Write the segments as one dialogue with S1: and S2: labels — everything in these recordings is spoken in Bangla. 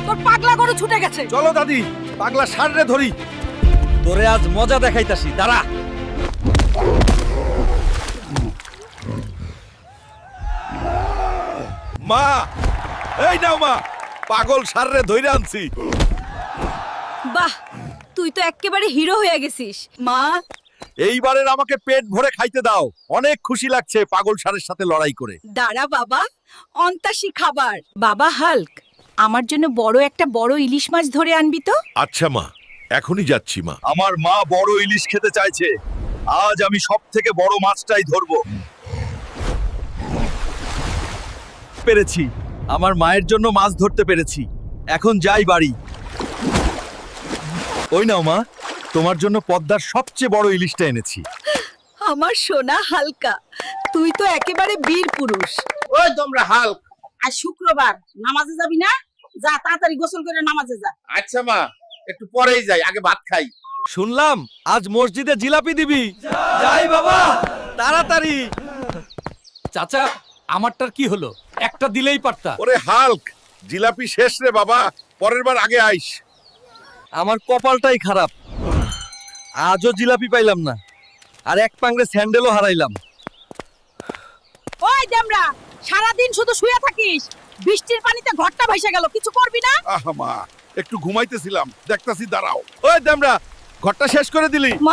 S1: তোর পাগলা গরু ছুটে গেছে।
S2: চলো দাদি, পাগলা ষাঁড়রে ধরি। তোরে আজ মজা দেখাইতাছি, দাঁড়া। মা, এই নাও মা, পাগল ষাঁড়রে ধইরে আনছি।
S1: বাহ, তুই তো একেবারে হিরো হয়ে গেছিস। মা,
S2: এইবারের আমাকে পেট ভরে খাইতে দাও। অনেক খুশি লাগছে পাগল ষাঁড়ের সাথে লড়াই করে।
S1: দাঁড়া বাবা, অন্তাসী খাবার। বাবা হাল্ক, আমার জন্য বড় ইলিশ মাছ ধরে আনবি তো।
S2: আচ্ছা মা, এখনই যাচ্ছি মা। আমার মা বড় ইলিশ খেতে চাইছে। আজ আমি সব থেকে বড় মাছটাই ধরবো। পেরেছি, আমার মায়ের জন্য মাছ ধরতে পেরেছি। এখন যাই বাড়ি। ওই নাও মা, তোমার জন্য পদ্মার সবচেয়ে বড় ইলিশটা এনেছি।
S1: আমার সোনা হালকা, তুই তো একেবারে বীর পুরুষ।
S3: ওই তোমরা হাল্ক, আজ শুক্রবার, নামাজে যাবি না? যা তাড়াতাড়ি গোসল করে নামাজে যা। আচ্ছা মা, একটু পরেই যাই, আগে ভাত খাই।
S2: শুনলাম আজ মসজিদে জিলাপি দিবি। যাই বাবা, তাড়াতাড়ি।
S4: চাচা, আমারটার কি হলো? একটা দিলেই পারতা।
S2: ওরে হাল্ক, জিলাপি শেষ রে বাবা, পরের বার আগে আইস। আমার কপালটাই খারাপ, আজও জিলাপি পাইলাম না, আর এক পাংড়ে স্যান্ডেলও হারাইলাম।
S1: ওই দেমরা, সারাদিন শুধু শুয়ে থাকিস। বৃষ্টির পানিতে ঘরটা ভাইসা গেল, কিছু করবি না?
S2: আহা মা, একটু ঘুমাইতেছিলাম, দেখতাছি, দাঁড়াও। ওই দেমরা, ঘরটা শেষ করে দিলি?
S1: মা,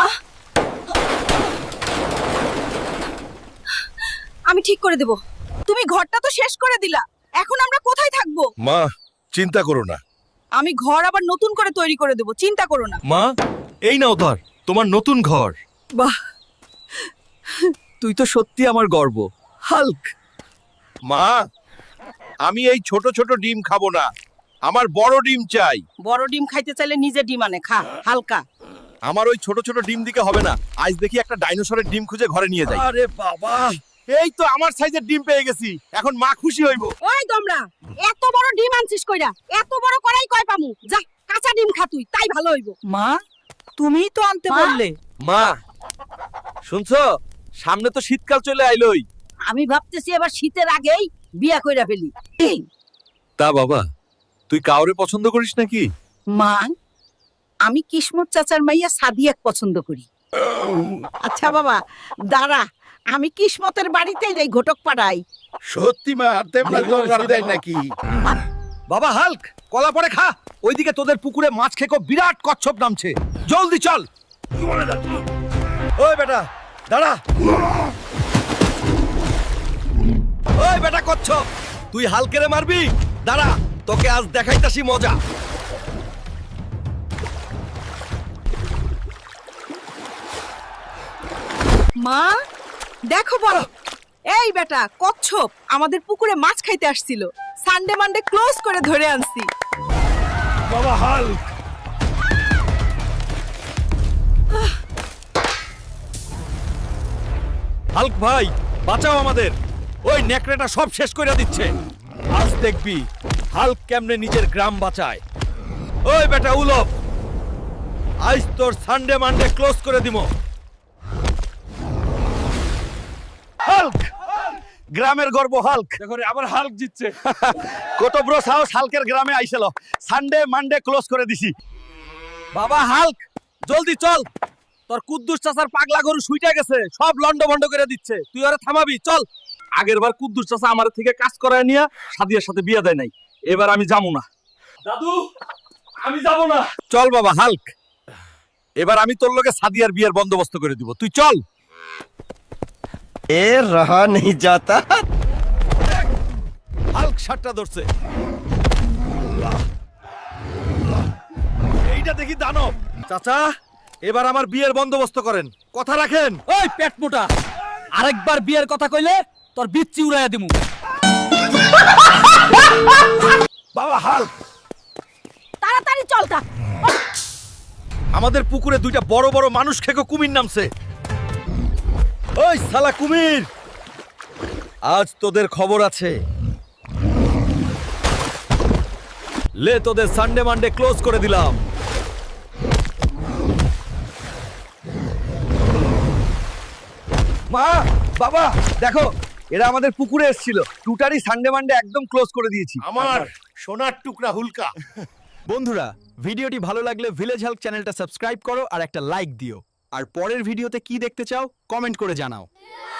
S1: আমি ঠিক করে দেব। তুমি ঘরটা তো শেষ করে দিলা, এখন আমরা কোথায় থাকবো?
S2: মা, চিন্তা করো না।
S1: আমি ঘর আবার নতুন করে তৈরি করে দেব, চিন্তা করো না।
S2: মা, এই নাও ধর, তোমার নতুন ঘর।
S1: বাহ,
S2: তুই তো সত্যি আমার গর্ব, হাল্ক। মা, আমি এই ছোট ছোট ডিম খাবো না, আমার বড় ডিম চাই।
S3: বড় ডিম খাইতে চাইলে নিজে ডিম আনে খা, হালকা।
S2: আমার ওই ছোট ছোট ডিম দিকে হবে না, আজ দেখি একটা ডাইনোসরের ডিম খুঁজে ঘরে নিয়ে যাই। আরে বাবা, এই তো আমার সাইজের ডিম পেয়ে গেছি, এখন মা খুশি হইব।
S1: ওই তোমরা, এত বড় ডিম আনছিস কইরা? এত বড় করাই কয় পামু? যা, কাঁচা ডিম খা তুই, তাই ভালো হইব।
S3: মা, তুমিই তো আনতে বললে।
S2: মা, শুনছো, সামনে তো শীতকাল চলে আইলোই।
S3: আমি ভাবতেছি এবার শীতের আগেই বিয়া কইরা ফেলি।
S2: তা বাবা, তুই কাউরে পছন্দ করিস নাকি?
S3: মা, আমি কিসমত চাচার মাইয়া সাদিয়াক পছন্দ করি। আচ্ছা বাবা, দাঁড়া, আমি কিসমতের বাড়িতেই যাই, ঘটক পাড়াই।
S2: সত্যি মা, তেমন দরকার দেয় নাকি? বাবা হাল্ক, কলা পরে খা। ওইদিকে তোদের পুকুরে মাছ খেকো বিরাট কচ্ছপ নামছে, জলদি চল। ওই বেটা, দাঁড়া। ওই বেটা কচ্ছপ, তুই হালকেরে মারবি? দাঁড়া, তোকে আজ দেখাইতাছি মজা।
S1: মা, দেখো বড়, এই বেটা কচ্ছপ আমাদের পুকুরে মাছ খাইতে আসছিল। সানডে মানডে ক্লোজ করে ধরে আনছি।
S2: বাবা হাল্ক, হাল্ক ভাই, বাঁচাও আমাদের। ওই নেকড়েটা সব শেষ করে দিচ্ছে। আজ দেখবি হাল্ক কেমনে নিজের গ্রাম বাঁচায়। ওই বেটা উলপ, আজ তোর সানডে মানডে ক্লোজ করে দিমো। হাল্ক, গ্রামের গর্ব হাল্ক।
S4: দেখো রে, আবার হাল্ক জিতছে।
S2: কত বড় সাহস হাল্কের গ্রামে আইছিল। সানডে মানডে ক্লোজ করে দিছি। বাবা হাল্ক, জলদি চল, তোর কুদ্দুস চাচার পাগলা গরু শুইটা গেছে, সব লন্ড ভন্ড করে দিচ্ছে। তুই ওরে থামাবি, চল। আগের বার কুদ্দুস চাচা আমার থেকে কাজ করায় নিয়া সাদিয়ার সাথে বিয়ে দেয় নাই, এবার আমি যাবো না।
S4: দাদু, আমি যাব না।
S2: চল বাবা হাল্ক, এবার আমি তোর লগে সাদিয়ার বিয়ের বন্দোবস্ত করে দিব, তুই চল।
S5: ए रहा नहीं जाता।
S2: হাল্ক সাতটা ধরছে। এইটা দেখি দানব। চাচা, এবার আমার বিয়ের বন্দোবস্ত করেন, কথা রাখেন।
S4: ওই পেট মোটা, আরেকবার বিয়ের কথা কইলে তোর বিচ্ছি উড়াইয়া দিমু।
S2: বাবা হাল্ক,
S1: তাড়াতাড়ি চল তা।
S2: আমাদের পুকুরে দুইটা বড় বড় মানুষ খেকো কুমির নামছে। ওই শালা কুমির, আজ তোদের খবর আছে। লে, তোদের সানডে মানডে ক্লোজ করে দিলাম। মা, বাবা, দেখো এরা আমাদের পুকুরে এসেছিল টুটারি সানডে মানডে একদম ক্লোজ করে দিয়েছি।
S5: আমার সোনার টুকরা হুলকা।
S6: বন্ধুরা ভিডিওটি ভালো লাগলে ভিলেজ হেল্প চ্যানেলটা সাবস্ক্রাইব করো আর একটা লাইক দিও আর পরের ভিডিওতে কি দেখতে চাও কমেন্ট করে জানাও।